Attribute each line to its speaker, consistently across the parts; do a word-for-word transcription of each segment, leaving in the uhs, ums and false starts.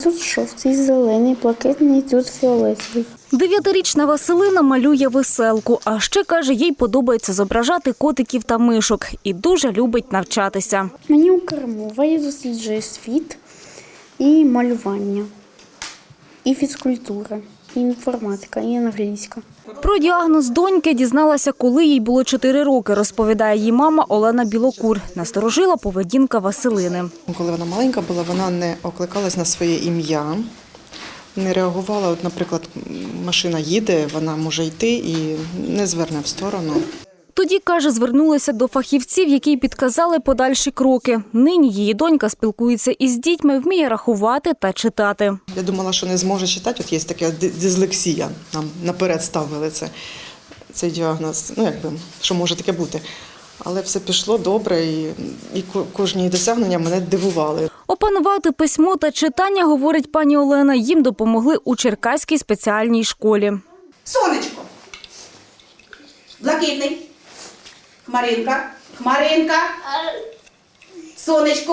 Speaker 1: тут жовтий, зелений, блакитний, тут фіолетовий.
Speaker 2: Дев'ятирічна Василина малює веселку, а ще, каже, їй подобається зображати котиків та мишок і дуже любить навчатися.
Speaker 1: Мені укрмова, я досліджую світ і малювання, і фізкультура, і інформатика, і англійська.
Speaker 2: Про діагноз доньки дізналася, коли їй було чотири роки, розповідає її мама Олена Білокур. Насторожила поведінка Василини.
Speaker 3: Коли вона маленька була, вона не окликалась на своє ім'я, не реагувала. От, наприклад, машина їде, вона може йти і не зверне в сторону.
Speaker 2: Тоді, каже, звернулася до фахівців, які підказали подальші кроки. Нині її донька спілкується із дітьми, вміє рахувати та читати.
Speaker 3: Я думала, що не зможе читати, от є така дислексія, нам наперед ставили це, цей діагноз, ну якби, що може таке бути. Але все пішло добре і, і кожні досягнення мене дивували.
Speaker 2: Опанувати письмо та читання, говорить пані Олена, їм допомогли у Черкаській спеціальній школі.
Speaker 4: Сонечко, блакитний, хмаринка, хмаринка, сонечко.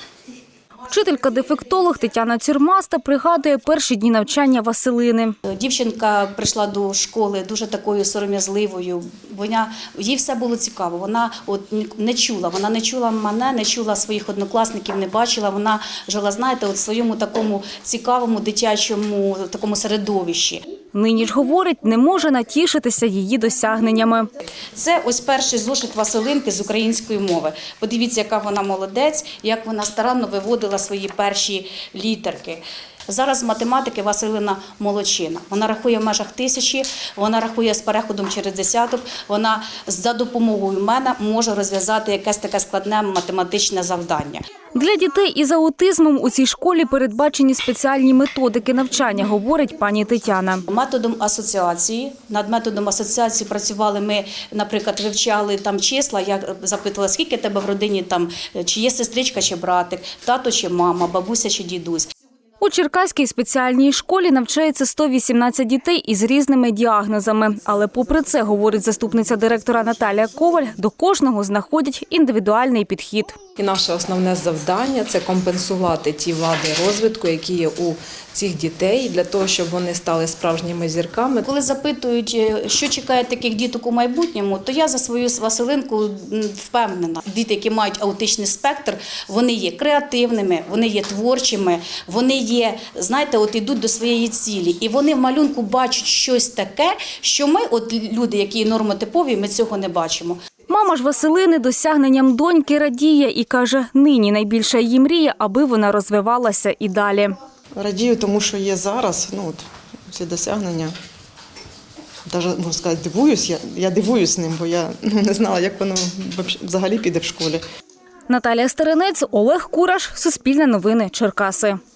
Speaker 2: Вчителька-дефектолог Тетяна Цюрмаста пригадує перші дні навчання Василини.
Speaker 5: Дівчинка прийшла до школи дуже такою сором'язливою. Вона, їй все було цікаво. Вона от не чула, вона не чула мене, не чула своїх однокласників, не бачила. Вона жила, знаєте, от в своєму такому цікавому дитячому такому середовищі.
Speaker 2: Нині ж, говорить, не може натішитися її досягненнями.
Speaker 5: Це ось перший зошит Василинки з української мови. Подивіться, яка вона молодець, як вона старанно виводила свої перші літерки. Зараз з математики Василина молодчина. Вона рахує в межах тисячі, вона рахує з переходом через десяток, вона за допомогою мене може розв'язати якесь таке складне математичне завдання.
Speaker 2: Для дітей із аутизмом у цій школі передбачені спеціальні методики навчання, говорить пані Тетяна.
Speaker 5: Методом асоціації. Над методом асоціації працювали ми, наприклад, вивчали там числа, я запитувала, скільки тебе в родині, там, чи є сестричка, чи братик, тато чи мама, бабуся чи дідусь.
Speaker 2: У Черкаській спеціальній школі навчається сто вісімнадцять дітей із різними діагнозами. Але попри це, говорить заступниця директора Наталія Коваль, до кожного знаходять індивідуальний підхід.
Speaker 6: І наше основне завдання – це компенсувати ті вади розвитку, які є у цих дітей, для того, щоб вони стали справжніми зірками.
Speaker 5: Коли запитують, що чекає таких діток у майбутньому, то я за свою Василинку впевнена. Діти, які мають аутичний спектр, вони є креативними, вони є творчими, вони є, знаєте, от ідуть до своєї цілі. І вони в малюнку бачать щось таке, що ми, от люди, які нормотипові, ми цього не бачимо.
Speaker 2: Мама ж Василини досягненням доньки радіє і каже, нині найбільша її мрія, аби вона розвивалася і далі.
Speaker 3: Радію, тому що є зараз, ну от, ці досягнення. Навіть, можна сказати, дивуюсь, я, я дивуюсь ним, бо я ну, не знала, як воно взагалі піде в школі.
Speaker 2: Наталія Стеренець, Олег Кураш, Суспільне новини, Черкаси.